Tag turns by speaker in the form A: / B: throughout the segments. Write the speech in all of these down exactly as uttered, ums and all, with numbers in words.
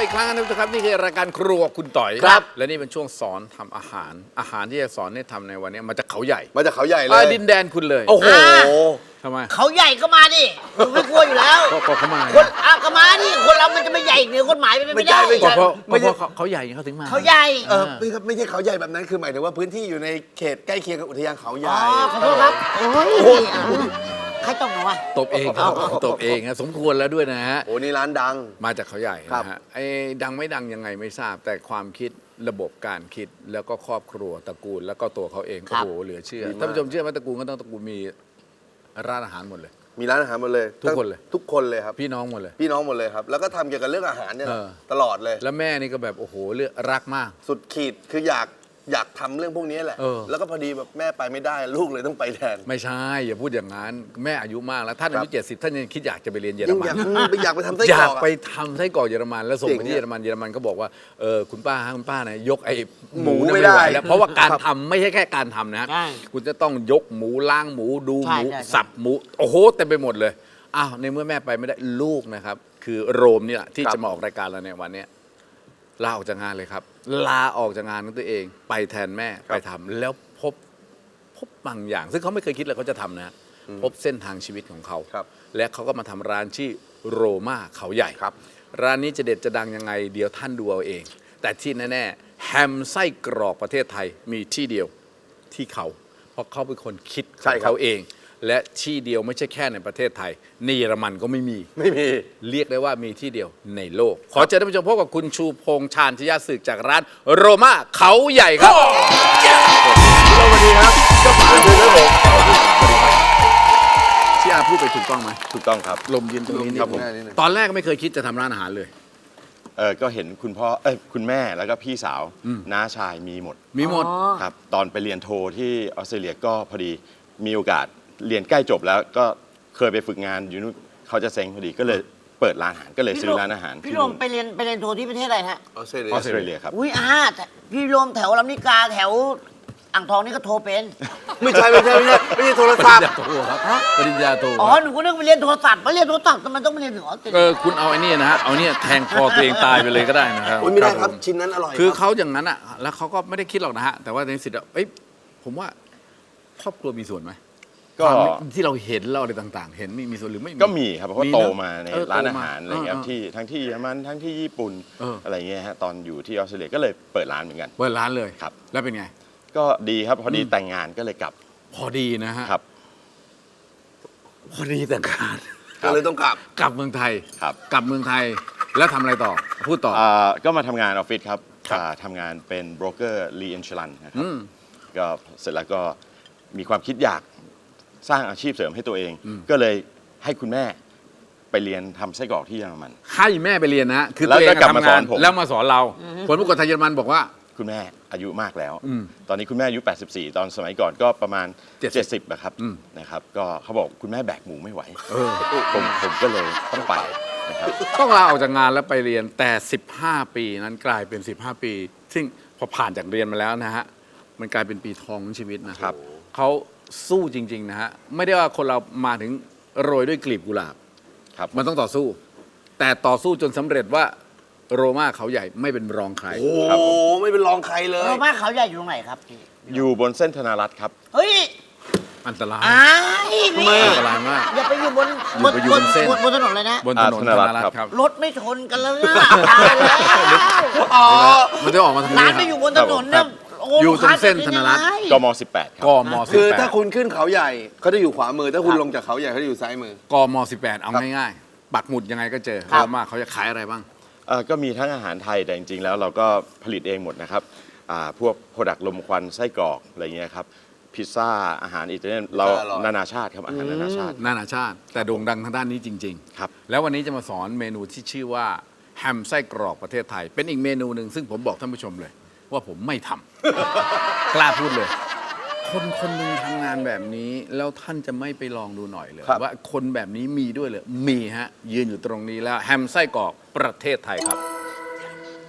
A: อีกครั้งนะทุกท่านครับนี่คือรายการครัวคุณต่อยครับและนี่เป็นช่วงสอนทำอาหารอาหารที่จะสอนให้ทำในวันนี้มาจากเขาใหญ่
B: มาจากเขาใหญ่เลย
A: ดินแดนคุณเลย
B: โอ้โห
A: ทำไม
C: เขาใหญ่ก็มาดิไม่กลัวอยู่แล้ว
A: ก็เขามา
C: คนอ่ะก็มาดิคนเรามันจะไม่ใหญ่เหนือกฎหมายไปไม่ได้
A: ก็เพราะเพราะเขาใหญ่เขาถึงมา
C: เขาใหญ่
B: เออไม่ครับไม่ใช่เขาใหญ่แบบนั้นคือหมายถึงว่าพื้นที่อยู่ในเขตใกล้เคียงกับอุทยานเขาใหญ่
C: อ๋อขอโทษครับโอ้ยใครตบหนูอ่ะ
A: ตบเองครับตบเองฮะสมควรแล้วด้วยนะฮะ
B: โอ้นี่ร้านดัง
A: มาจากเขาใหญ่นะฮะไอ้ดังไม่ดังยังไงไม่ทราบแต่ความคิดระบบการคิดแล้วก็ครอบครัวตระกูลแล้วก็ตัวเขาเองโอ้โหเหลือเชื่อท่านผู้ชมเชื่อไหมตระกูลก็ต้องตระกูลมีร้านอาหารหมดเลย
B: มีร้านอาหารหมดเลย
A: ทุกคนเลย
B: ทุกคนเลยครับ
A: พี่น้องหมดเลย
B: พี่น้องหมดเลยครับแล้วก็ทำเกี่ยวกับเรื่องอาหารเนี่ยตลอดเลย
A: แล้วแม่นี่ก็แบบโอ้โหเลือกรักมาก
B: สุดขีดคืออยากอยากทำเรื่องพวกนี้แหละแล้วก็พอดีแบบแม่ไปไม่ได้ลูกเลยต้องไปแทน
A: ไม่ใช่อย่าพูดอย่างนั้นแม่อายุมากแล้วท่านอายุเจ็ดสิบท่านยังคิดอยากจะไปเรียนเยอรมัน
B: อยากไปทำไส้กรอก
A: อยากไปทำไส้กรอกเยอรมันแล้วส่งไปที่เยอรมันเยอรมันก็บอกว่าเออคุณป้าฮะคุณป้าเนี่ยยกไอ้หมูไม่ได้แล้วเพราะว่าการทำไม่ใช่แค่การทำนะคุณจะต้องยกหมูล้างหมูดูหมูสับหมูโอ้โหเต็มไปหมดเลยอ้าวในเมื่อแม่ไปไม่ได้ลูกนะครับคือโรมนี่แหละที่จะมาออกรายการเราในวันนี้ลาออกจากงานเลยครับลาออกจากงานของตัวเองไปแทนแม่ไปทำแล้วพบพบบางอย่างซึ่งเขาไม่เคยคิดเลยเขาจะทำนะพบเส้นทางชีวิตของเขาและเขาก็มาทำร้านชื่อโรม่าเขาใหญ่ครับร้านนี้จะเด็ดจะดังยังไงเดี๋ยวท่านดูเอาเองแต่ที่แน่ๆแฮมไส้กรอกประเทศไทยมีที่เดียวที่เขาเพราะเขาเป็นคนคิดของเขาเองและที่เดียวไม่ใช่แค่ในประเทศไทยในเยอรมันก็ไม่มี
B: ไม่มี
A: เรียกได้ว่ามีที่เดียวในโลกขอเชิญท่านผู้ชมพบกับคุณชูพงษ์ชาญชยศึกจากร้านโรม่าเขาใหญ่ครับ
B: สวัสดีครับเจ้าของคือผม
A: ที่อาพูดไปถูกต้องไหม
B: ถูกต้องครับ
A: ลมยืนตรงนี้นี่ตอนแรกไม่เคยคิดจะทำร้านอาหารเลย
D: เออก็เห็นคุณพ่อเอ้ยคุณแม่แล้วก็พี่สาวน้าชายมีหมด
A: มีหมด
D: ครับตอนไปเรียนโทที่ออสเตรเลียก็พอดีมีโอกาสเรียนใกล้จบแล้วก็เคยไปฝึกงานอยู่นู่นเขาจะเซ็งพอดีก็เลยเปิดร้านอาหารก็เลยซื้อร้านอาหาร
C: พี่โรมไปเรียนไปเรียนโทที่ประเทศอะไรฮะ
D: ออสเตรเลียออสเตรเลียครับ
C: อุ้ยอาแต่พี่โรมแถวลำนิกาแถวอ่างทองนี่ก็โทรเป็น
B: ไม่ใช่ไม่ใช่ไม่ใช่ไม่ใช่โทรศัพท์
A: โทรครับปริญญาโท
C: อ๋อหนูก็นึกไปเรียนโทรศัพท์ไปเรียนโทรศัพท์ทำไมต้องไปเรียนถึงออสเตรเลีย
A: เออคุณเอาไอ้นี่นะฮะเอาเนี่ยแทงคอตัวเองตายไปเลยก็ได้นะครับ
B: ไม่ได้ครับชิ้นนั้นอร่อย
A: คือเขาอย่างนั้นอ่ะแล้วเขาก็ไม่ได้คิดหรอกนะฮะแต่ว่าในสิทธิ์เอ้ยผมว่าครอบครัวมีส่วนไหมก็ที่เราเห็นเราอะไรต่างๆเห็นมีมีส่วนหรือไม่
D: ก็มีครับเพราะว่าโตมาในร้านอาหารอะไรเงี้ยที่ทั้งที่เยอรมันทั้งที่ญี่ปุ่นอะไรเงี้ยฮะตอนอยู่ที่ออสเตรเลียก็เลยเปิดร้านเหมือนกัน
A: เปิดร้านเลย
D: ครับ
A: แล้วเป็นไง
D: ก็ดีครับพอดีแต่งงานก็เลยกลับ
A: พอดีนะฮะ
D: ครับ
A: พอดีแต่งงาน
B: ก็เลยต้องกลับ
A: กลับเมืองไทย
D: ครับ
A: กลับเมืองไทยแล้วทำอะไรต่อพูดต่อ
D: ก็มาทำงานออฟฟิศครับทำงานเป็นโบรกเกอร์รีอินชัลันนะครับก็เสร็จแล้วก็มีความคิดอยากสร้างอาชีพเสริมให้ตัวเองก็เลยให้คุณแม่ไปเรียนทำไส้กรอกที่เยอรมัน
A: ให้แม่ไปเรียนนะคือตัวเองทำงานแล้วมาสอนเราคนผู้กฎไทยเยอรมันบอกว่า
D: คุณแม่อายุมากแล้วตอนนี้คุณแม่อายุแปดสิบสี่ตอนสมัยก่อนก็ประมาณเจ็ดสิบนะครับนะครับก็เขาบอกคุณแม่แบกหมูไม่ไหวผมผมก็เลยต้องไปนะครับ
A: ต้องลาออกจากงานแล้วไปเรียนแต่สิบห้าปีนั้นกลายเป็นสิบห้าปีซึ่งพอผ่านจากเรียนมาแล้วนะฮะมันกลายเป็นปีทองของชีวิตนะครับเขาสู้จริงๆนะฮะไม่ได้ว่าคนเรามาถึงโรยด้วยกลีบกุหลาบมันต้องต่อสู้แต่ต่อสู้จนสำเร็จว่าโรม่าเขาใหญ่ไม่เป็นรองใคร
B: โอ้โหไม่เป็นรองใครเลย
C: โรม่าเขาใหญ่อยู่ตรงไหนครับ
D: อยู่บนเส้นธนารัตน์ครับ
C: เฮ้ย
A: อันตราย
C: ทำไม
A: อันตรายมาก
C: อย่าไปอยู่บนบนบนบนถนนเลยนะ
A: บนถนนธนารัตน์ครับ
C: รถไม่ชนกันแล้วนะตายแล้ว
A: อ๋อมันจะออกมาทางนี้
C: ร้านไม่อยู่บนถนนเนี่ย
A: อยู่ตรงเส้นธนารัตน์
D: กมสิบแปดครับ
A: กมสิบแปด
B: คือถ้าคุณขึ้นเขาใหญ่เขาจะอยู่ขวามือถ้าคุณลงจากเขาใหญ่เขาจะอยู่ซ้ายมือก
A: มสิบแปดเอาง่ายๆปักหมุดยังไงก็เจอโรม่าเขาจะขายอะไรบ้าง
D: ก็มีทั้งอาหารไทยแต่จริงๆแล้วเราก็ผลิตเองหมดนะครับพวกโปรดักต์ลมควันไส้กรอกอะไรเงี้ยครับพิซซ่าอาหารอิตาเลียนเรานานาชาติครับอาหารนานาชาติ
A: นานาชาติแต่โด่งดังทางด้านนี้จริงๆครับแล้ววันนี้จะมาสอนเมนูที่ชื่อว่าแฮมไส้กรอกประเทศไทยเป็นอีกเมนูหนึ่งซึ่งผมบอกท่านผู้ชมเลยว่าผมไม่ทำ กล้าพูดเลยคนคนหนึ่งทำงานแบบนี้แล้วท่านจะไม่ไปลองดูหน่อยเลยว่าคนแบบนี้มีด้วยเลยมีฮะยืนอยู่ตรงนี้แล้วแฮมไส้กรอกประเทศไทยครับ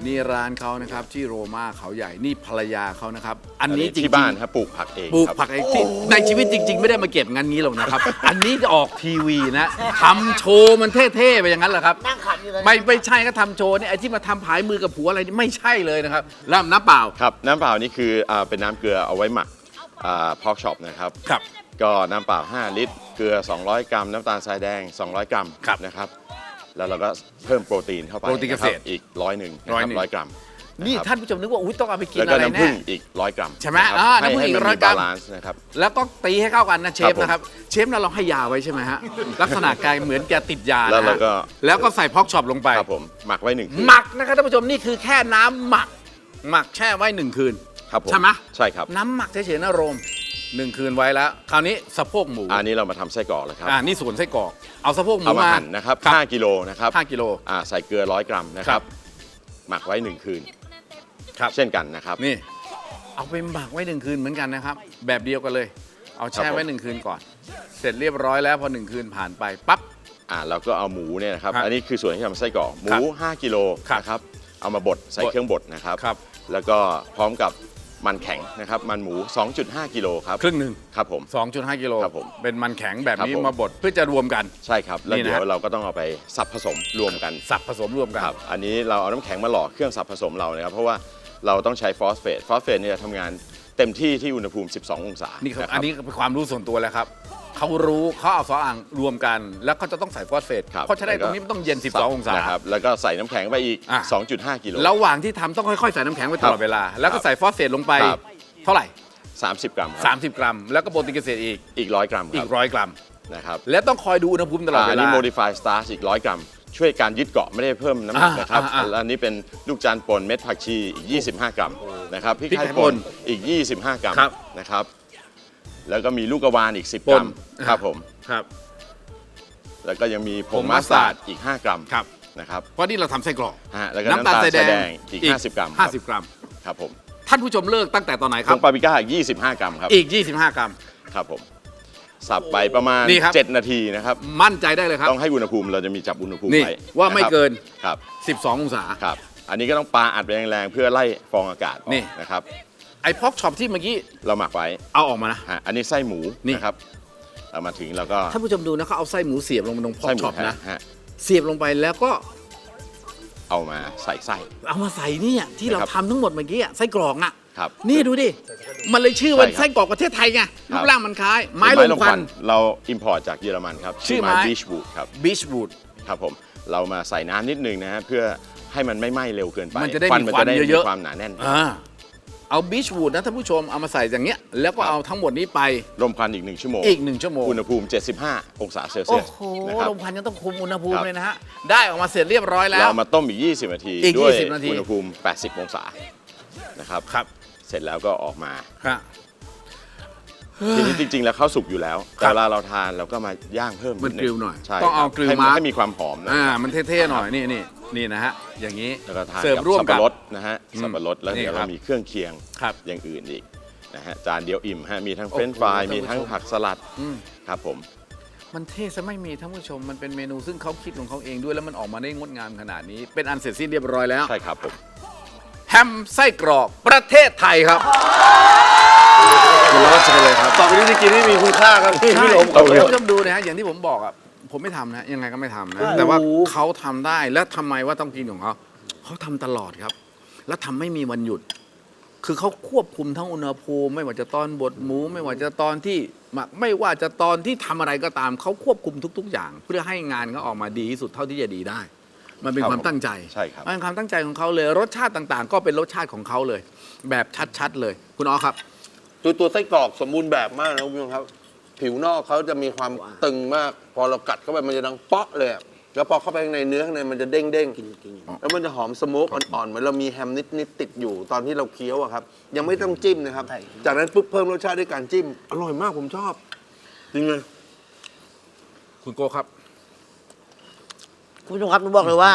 A: นี่ร้านเขานะครับที่โรม่าเขาใหญ่นี่ภรรยาเขานะครับ อันนี้จริงๆ
D: ที่บ้านครับปลูกผักเอง
A: ปลูก
D: ครับ
A: ผักเองที่ในชีวิตจริง ๆ ไม่ได้มาเก็บงานนี้หรอกนะครับ อันนี้จะออกทีวีนะทำโชว์มันเท่ๆไปอย่างนั้นเหรอครับ
C: นั่งขัดอยู่เลย
A: ไม่ไม่ใช่ก็ทำโชว์เนี่ยไอ้ที่มาทำผายมือกับผัวอะไรนี่ไม่ใช่เลยนะครับแล้วน้ำเปล่า
D: ครับน้ำเปล่านี่คืออ่าเป็นน้ำเกลือเอาไว้หมักพอกช็อปนะครับ
A: ครับ
D: ก็น้ำเปล่าห้าลิตร เกลือสองร้อยกรัม น้ำตาลทรายแดงสองร้อยกรัม
A: ครับ
D: นะครับแล้วเราก็เพิ่มโปรตีนเข้าไป
A: โปรตีนเกษตร
D: ะคบอีกร้อยหนึ่ง
A: ร้อยหนึ่ง
D: ร้อยกรัม
A: นี่
D: ะครับ
A: ท่านผู้ชมนึกว่าอุ้ยต้องเอาไปกิน
D: แล้ว
A: อะ
D: ก็
A: ไร
D: น้ำ
A: แน่
D: ผึ้งอีกร้อยกรัม
A: ใช่ไหม
D: ะครับ
A: อ่าน้ำผึ้งอีก
D: ให้
A: ร้
D: มั
A: อยกรัม
D: บาลานซ์นะครับ
A: แล้วก็ตีให้เข้ากันนะเชฟ
D: ครับผม
A: นะครับเชฟเราเราให้ยาไว้ใช่ไหมฮะลักษณะกายเหมือนแกติดยา
D: แล้ว
A: นะ
D: เรา
A: ฮะ
D: ก็
A: แล้วก็ใส่พอกช็อปลงไป
D: ครับผมหมักไว้หนึ่งคืน
A: หมักนะครับท่านผู้ชมนี่คือแค่น้ำหมัก หมักแช่ไว้หนึ่งคืน
D: ครับผม
A: ใช่ไหม
D: ใช่ครับ
A: น้ำหมักเฉยๆนะโรมหนึ่งคืนไว้แล้ว คราวนี้สะโพกหมู
D: อันนี้เรามาทำไส้กรอกเลยครับ
A: อ่านี่ส่วนไส้กรอกเอาสะโพกหมู
D: เอามา
A: มา
D: หั่นนะครับ
A: ครับ
D: ห้ากิโลนะครับ
A: ห้ากิโล
D: อ่าใส่เกลือร้อยกรัมนะค
A: ครั
D: รับ บ หมักไว้หนึ่งคืน
A: ครับ
D: เช่นกันนะครับ
A: นี่เอาไปหมักไว้หนึ่งคืนเหมือนกันนะครับ แบบเดียวกันเลย เอาแช่ไว้หนึ่งคืนก่อน เสร็จเรียบร้อยแล้วพอหนึ่งคืนผ่านไปปั๊บ
D: อ่าเราก็เอาหมูเนี่ยนะครับ
A: ครับ
D: อันนี้คือส่วนที่ทำไส้กรอกหมู
A: ครับ
D: ห้ากิโล
A: ครับ
D: นะครับเอามาบดใส่
A: บด
D: เครื่องบดนะครับ
A: ครับ
D: แล้วก็พร้อมกับมันแข็งนะครับมันหมู สองจุดห้า กิโลครับ
A: ครึ่งหนึ่ง
D: ครับผม
A: สองจุดห้ากิโล
D: ครับผม
A: เป็นมันแข็งแบบนี้
D: ครับผม
A: มาบดเพื่อจะรวมกัน
D: ใช่ครับแล้ว
A: นี่นะ
D: เดี๋ยวเราก็ต้องเอาไปสับผสมรวมกัน
A: สับผสมรวมกัน
D: ครับอันนี้เราเอาน้ำแข็งมาหล่อเครื่องสับผสมเรานะครับเพราะว่าเราต้องใช้ฟอสเฟตฟอสเฟตเนี่ยทำงานเต็มที่ที่อุณหภูมิ สิบสอง องศา
A: นี่ครับ
D: ะค
A: อั
D: รั
A: นนี้เป็นความรู้ส่วนตัวแล้วครับเขารู้เขาเอาสองอ่างรวมกัน แล้วเขาจะต้องใส่ฟอสเฟต
D: ครับ
A: เพราะฉะนั้นตรงนี้มันต้องเย็น สิบสอง องศา
D: นะครับแล้วก็ใส่น้ำแข็งไปอีก
A: อ่ะ
D: สองจุดห้า กิโล
A: ระหว่างที่ทำต้องค่อยๆใส่น้ำแข็งไว้ตลอดเวลา แล้วก็ใส่ฟอสเฟตลงไป
D: ครับ
A: เท่าไหร่
D: สามสิบ กรัมครับ
A: สามสิบ กรัม แล้วก็โปรตีนเกษตรอีก
D: อีกร้อยกรัมค
A: อี
D: รับ
A: กร้อยกรัม
D: นะครับ
A: และต้องคอยดูอุณหภูมิตลอดเว
D: อัน
A: ลา
D: นี้ modify starch อีกร้อยกรัม ช่วยการยึดเกาะไม่ได้เพิ่มน้ำหนัก
A: อ่า
D: นะครับ
A: อ่าอ่า
D: แล้วอันนี้เป็นลูกจานป่นเม็ดผักชีอีก ยี่สิบห้า กรัมนะครับพริก
A: พริก
D: ไทย
A: ไทย
D: ป่
A: ป่
D: น
A: น
D: อีก ยี่สิบห้า กรัม
A: ครับ
D: นะครับแล้วก็มีลูกกระวานอีก สิบ
A: ป่
D: ก
A: น
D: รัมครับผม
A: ครับ
D: แล้วก็ยังมีผ
A: ผ
D: ง
A: ง
D: มัสตาร์ด
A: มัสตาร์ด
D: อีก ห้า กรัม
A: ครับ
D: นะครับ
A: เพราะนี่เราทำไส้กรอก
D: ฮะแล้วก็
A: น้ำ
D: น้ำ
A: ตา
D: ตา
A: ล
D: ล
A: ทราย
D: ทราย
A: แด
D: แด
A: ง
D: งอีก
A: อีก
D: ห้าสิบ กรัม
A: ห้าสิบกรัม
D: ครับผม
A: ท่านผู้ชมเลิกตั้งแต่ตอนไหนค
D: ผ
A: รับ
D: งปาปริก้าอีก ยี่สิบห้า กรัมครับ
A: อีก ยี่สิบห้า กรัม
D: ครับผมสับไปประมาณ
A: นี่ครับ
D: เจ็ด นาทีนะครับ
A: มั่นใจได้เลยครับ
D: ต้องให้อุณหภูมิเราจะมีจับอุณหภูมิ
A: นี่
D: ไว้
A: ว่าไม่
D: ะครับ
A: เกิน
D: ครับ
A: สิบสอง องศา
D: ครับ อันนี้ก็ต้องปาอัดไปแรงๆเพื่อไล่ฟองอากาศออก
A: นี่
D: นะครับ
A: ไอ้พอกช็อปที่เมื่อกี้
D: เราหมักไว้
A: เอาออกมานะ
D: ฮะอันนี้ไส้หมู
A: นี่
D: นะครับเอามาถึงเราก็
A: ท่านผู้ชมดูนะเขาเอาไส้หมูเสียบลงไปตรงพอก
D: ไส้หมู
A: ช็อป
D: ฮะ
A: นะ
D: ฮะ
A: เสียบลงไปแล้วก็
D: เอามาใส่ไส้
A: เอามาใส่เนี่ยที่เรา
D: นะครับ
A: ทำทั้งหมดเมื่อกี้อะไส้กรอกอ่ะ
D: ครับ
A: นี่ดูดิ มันเลยชื่อว่า
D: ใช่ครับ
A: ไส้กรอกประเทศไทยไง
D: ครั
A: รู
D: บ
A: ปร่างมันคล้าย ไม้ลมควัน
D: เราอิมพอร์ตจากเยอรมันครับ
A: ชื่อไม้
D: บีชบูดครับ
A: บีชวูด
D: ครับผมเรามาใส่น้ำนิดนึงนะฮะเพื่อให้มันไม่ไหม้เร็วเกินไป
A: มันจะได้
D: ควั
A: มี
D: มัน
A: ควัน
D: จะได้
A: เยอะๆ
D: มีความหนาแน่น
A: อ่าเอาบีชวูดนะท่านผู้ชมเอามาใส่อย่างเงี้ย แล้วก็
D: ครับ
A: เอาทั้งหมดนี้ไป
D: รมควันอีกหนึ่งชั่วโมง
A: อีกหนึ่งชั่วโมง
D: อุณหภูมิ เจ็ดสิบห้า องศาเซลเซี
A: โอ้
D: ยส
A: โห
D: นะครับ
A: ลมควันยังต้องคุมอุณหภูมิ
D: ครับ
A: เลยนะฮะ ได้ออกมาเสร็จเรียบร้อยแล้ว
D: เรามาต้มอีก ยี่สิบ นาที
A: อีก
D: ด้วย
A: ยี่สิบนาที
D: อุณหภูมิ แปดสิบ องศานะครับ
A: ครับ
D: เสร็จแล้วก็ออกมา
A: ครับ
D: ทีนี้จริง ๆ แล้วข้าวสุกอยู่แล้ว
A: ครั
D: แต่
A: บ
D: เวลาเราทานเราก็มาย่างเพิ่ม
A: มัน
D: ดง
A: กริลหน่อย
D: ใช่
A: ต้องเอา
D: ครับ
A: กริล
D: ให้
A: มาร์ค
D: ให้มีความหอมนะ
A: อ่ามันเท่ๆหน่อยนี่นี่นี่นะฮะอย่างนี้
D: แล้วก็ทาน
A: เสิร์ฟ
D: กับ
A: ร่วม
D: สับ
A: กั
D: ปะ
A: บ
D: รดนะฮะ
A: อืม
D: สับปะรดแล้ว
A: นี่
D: เดี๋ยว
A: ครั
D: เรา
A: บ
D: มีเครื่องเคียง
A: ครับ
D: อย่างอื่นอีกนะฮะจานเดียวอิ่มฮะมีทั้ง
A: โอ้
D: เฟ
A: โห
D: รนช์ฟราย
A: ท่านผู้
D: มีทั้ง
A: ชม
D: ผักสลัด
A: อืม
D: ครับผม
A: มันเท่ซะไม่มีท่านผู้ชมมันเป็นเมนูซึ่งเขาคิดของเขาเองด้วยแล้วมันออกมาได้งดงามขนาดนี้ เป็นอันเสร็จสิ้นเรียบร้อยแล้ว
D: ใช่ครับผม
A: แฮมไส้กรอกประเทศไทยครับคุณรอดเชิญเลยครับ
B: ต่อไปนี้จะกินให้มีคุณค่าครับพี่
A: ใช่
B: พี่หลง
A: ท่านผู้ชมดูนะฮะอย่างที่ผมบอกอ่ะผมไม่ทำนะยังไงก็ไม่ทำนะแต่ว่าเขาทำได้แล้วทำไมว่าต้องกินของเขาเขาทำตลอดครับ แล้วทำไม่มีวันหยุด คือเขาควบคุมทั้งอุณหภูมิไม่ว่าจะตอนบดหมู ไม่ว่าจะตอนที่หมักไม่ว่าจะตอนที่ทำอะไรก็ตามเขาควบคุมทุก ๆ อย่าง เพื่อให้งานเขาออกมาดีที่สุดเท่าที่จะดีได้ มันเป็น
D: ครับ
A: ความตั้งใจ
D: ใช่ครับ
A: มันเป็นความตั้งใจของเขาเลยรสชาติต่างๆ ก็เป็นรสชาติของเขาเลย แบบชัดๆเลย คุณอ๋อครับ
B: ตัวตัวไส้กรอกสมบูรณ์แบบมากนะคุณผู้ชมครับ ผิวนอกเขาจะมีความตึงมาก พอเรากัดเข้าไปมันจะดังเปาะเลยอะแล้วพอเข้าไปข้างในเนื้อข้างในมันจะเด้งเด้งๆแล้วมันจะหอมสโมกอ่อนๆเหมือนเรามีแฮมนิดๆติดอยู่ตอนที่เราเคี้ยวอะครับ ยังไม่ต้องจิ้มนะครับ
C: ใช่
B: จากนั้นปุ๊บเพิ่มรสชาติด้วยการจิ้ม อร่อยมากผมชอบจริงเลย
A: คุณโก้ครับ
C: คุณผู้ชมครับผมบอกเลยว่า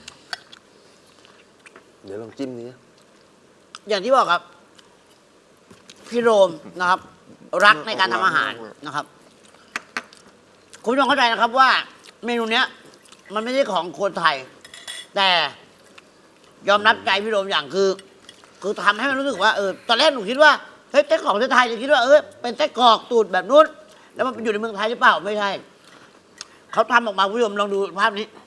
B: เดี๋ยวลองจิ้มนี้
C: อย่างที่บอกครับ พี่โรมนะครับ รักในการทำอาหารนะครับ คุณผู้ชมเข้าใจนะครับว่า เมนูเนี้ย มันไม่ใช่ของคนไทย แต่ยอมรับใจพี่โรมอย่างคือ คือทำให้มันรู้สึกว่าเออตอนแรกหนูคิดว่าเฮ้ยไส้กรอกประเทศไทยจะคิดว่าเออเป็นไส้กรอกตูดแบบนู้นแล้วมันอยู่ในเมืองไทยหรือเปล่าไม่ใช่เขาทำออกมาคุณผู้ชมลองดูภาพนี้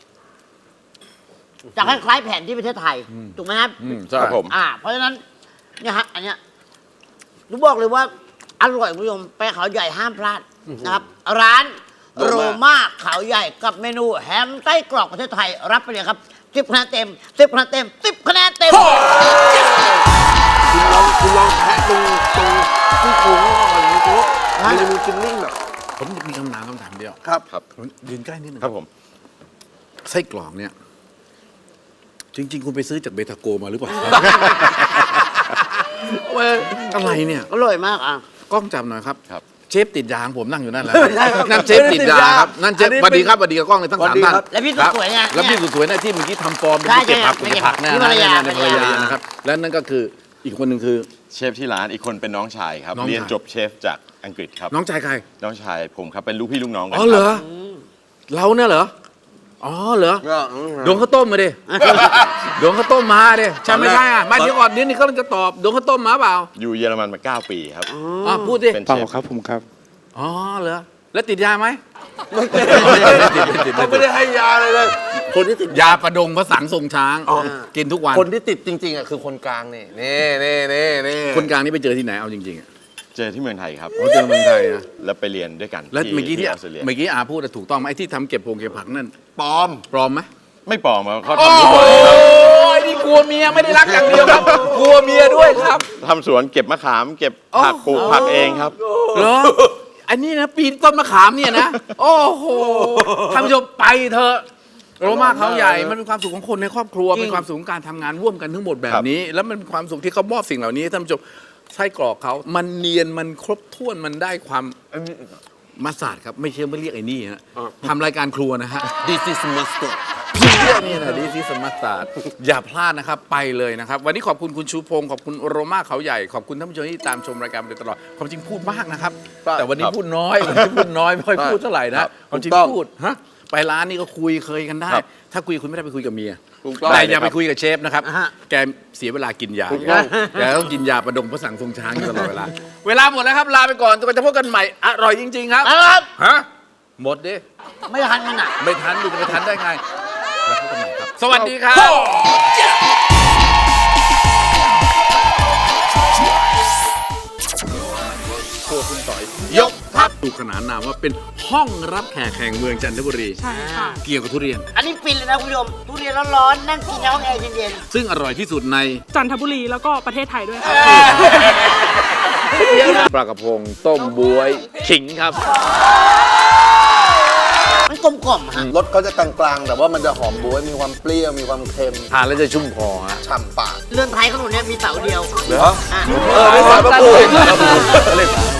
C: จะคล้ายๆแผ่นที่ประเทศไทยถูกไหมครับ
A: อืมใช่
D: ครับผม
C: อ่า เพราะฉะนั้นเนี่ยฮะอันเนี้ยหนูบอกเลยว่าอร่อยคุณผู้ชมไปเขาใหญ่ห้ามพลาดนะครับ ร้านโรม่าเขาใหญ่กับเมนูแฮมไส้กรอกประเทศไทยรับไปเลยครับสิบคะแนนเต็มสิบคะแนนเต็มสิบคะแนนเต็ม
B: คุณลองคุณลองแทะตรงตรงที่โค้งก่อนนะคุณมันจะมีฟิลลิ่งแบบ
A: ผมมีคำถามคำถามเดียว
B: ครับ
D: ครับ
A: ผมยืนใกล้นิดนึง
D: ครับผม
A: ไส้กรอกเนี่ย จริง ๆ คุณไปซื้อจากเบทาโกมาหรือเปล่า เว้ยอะไรเนี่ย
C: อร่อยมากอ่ะ
A: กล้องจับหน่อยครับ
D: ครับ
A: เชฟติดยาของผมนั่งอยู่นั่นแหละ
B: ไม่ใช่ครับ
A: นั่นเชฟติดยาครับนั่นเชฟ
B: อันนี้
A: สวัสดีครับสวัสดีกับกล้องเลยทั้ง
B: สวั
A: สา
B: ส
A: ม
B: ดี
A: ท่าน
B: ครับ
C: และพี่สุดสวยไง
A: แล้วพี่สุดสวยนะที่เมื่อกี้ทำฟอร์มเป็น
C: ใช่
A: เก็บผัก
C: ใช่
A: เก็บผัก
C: ใช่
A: นะ
C: ภรรยา
A: ในภรรยานะครับ และนั่นก็คืออีกคนหนึ่งคือ
D: เชฟที่ร้านอีกคนเป็นน้องชายครับ
A: น้องชาย
D: เรียนจบเชฟจากอังกฤษครับ
A: น้องชายใคร
D: น้องชายผมครับเป็นลูกพี่ลูกน้องกั
A: อ๋อเหรอ
D: ครับ
A: เราเนี่ยเหรออ๋อเหรอ
B: ก็
A: ดวงข้าวต้มมาดิ ดวงข้าวต้มมาดิใช่ไม่ใช่อ่ะไม่เดี๋ยวก่อนเดี๋ยวนี้เขาจะตอบดวงข้าวต้มมาเปล่า
D: อยู่เยอรมันมาเก้าปีครับ
A: อ๋อพูดดิ
D: เป็น
E: เปล่า
D: เชฟ
E: ครับผมครับ
A: อ๋อเหรอแล้วติดยาไหม
B: เขาไม่ได้ให้ยาเลยเลย คนที่ติด
A: ยาประดงพระสังทรงช้าง
B: อ๋อ
A: กินทุกวัน
B: คนที่ติดจริงๆอ่ะคือคนกลางนี่นี่นี่นี่นี่
A: คนกลางนี่ไปเจอที่ไหนเอาจริงๆอ่ะ
D: เจอที่เมืองไทยครับ
A: เขาเจอเมืองไทยนะ
D: แล้วไปเรียนด้วยกัน
A: แล้วเมื่อกี้ที่
D: ออสเตรเลีย
A: เมื่อกี้อาพูดอะถูกต้องไหมไอ้ที่ทำเก็บพงเก็บผักนั่น
B: ปลอม
A: ปลอมไหม
D: ไม่ปลอมครับเขา
A: โอ้
D: ทำสวนครับ
A: ยนี่กลัวเมียไม่ได้รักอย่างเดียวครับ กลัวเมียด้วยครับ
D: ทำสวนเก็บมะขามเก็บผักปลูกผักเองครับ
A: เหรออันนี้นะปีนต้นมะขามเนี่ยนะ โอ้โหท่านผู้ชมไปเถอะโรมาเขาใหญ่มันเป็นความสุขของคนในครอบครัว
C: จริง
A: เป็นความสุขของการทำงานร่วมกันทั้งหมดแบ
D: ครับ บ
A: นี้ แล้วมันเป็นความสุขที่เขามอบสิ่งเหล่านี้ให้ท่านผู้ชมไส้กรอกเขามันเนียนมันครบถ้วนมันได้ความมาสาดครับไม่เชื่อไม่เรียกไอ้นี่ฮะทำรายการครัวนะฮะ
B: This is mustard
A: พี่เรียกนี่นะดีซีสมัสตาร์ดอย่าพลาดนะครับไปเลยนะครับ วันนี้ขอบคุณคุณชูพงศ์ขอบคุณโรมาเขาใหญ่ขอบคุณท่านผู้ชมที่ตามชมรายการมาโดยตลอดความจริงพูดมากนะครับ
B: ครับ
A: แต่วันนี้
D: ครับ
A: พูดน้อยวันนี้พูดน้อยไม่ค่อย
B: ครับ
A: พูดเท่าไหร่
B: ค
A: นะ
B: รับ
A: ความจริง
B: ถูกต้อง
A: พูดฮะไปร้านนี้ก็คุยเคยกันได้
D: ครับ
A: ถ้าคุยคุณไม่ได้ไปคุยกับเมีย
B: ถูกต้อง
A: แต่อย่า
D: ได้เลยครับ
A: ไปคุยกับเชฟนะครับ
C: อ่าฮะ
A: แกเสียเวลากินยา
B: ถูกต้อง
A: แกต้องกินยาประดงพระสังทรงช้างอยู่ตลอดเวลาเวลาหมดแล้วครับลาไปก่อนจนกว่าจะพบกันใหม่อร่อยจริง ๆ ครับ
C: นะครับ
A: ฮะหมดดิ
C: ไม่ทันมันอ่ะ
A: ไม่ทันดูจะไปทันได้ไงแล้วพบกันใหม่ครับ สวัสดีครับครัวคุณต่อย ยกทัพถูกขนานนามว่าเป็นห้องรับแขกแห่งเมืองจันทบุรี
F: ใช่ค่ะ
A: เกี่ยวกับทุเรียน
C: อันนี้ฟินเลยนะคุณผู้ชมทุเรียนร้อนๆนั่งกินในห้องแอร์เย็น
A: ซึ่งอร่อยที่สุดใน
F: จันทบุรีแล้วก็ประเทศไทยด้วยค่ะ
A: ปลากระพงต้มบวยขิงครับ
C: ๆมันกลมกล่อมๆฮะ
B: รสเขาจะกลางๆ แต่ว่ามันจะหอมบ๊วยมีความเปรี้ยวมีความเค็ม
A: ทานแล้วจะชุ่มคอฮะ
B: ฉ่ำปาก
C: เรือนไทยขนมเนี่ยมีเสาเดียว
B: เหรอ
C: อ่ะ
B: เออไม่ใส่มะกรูด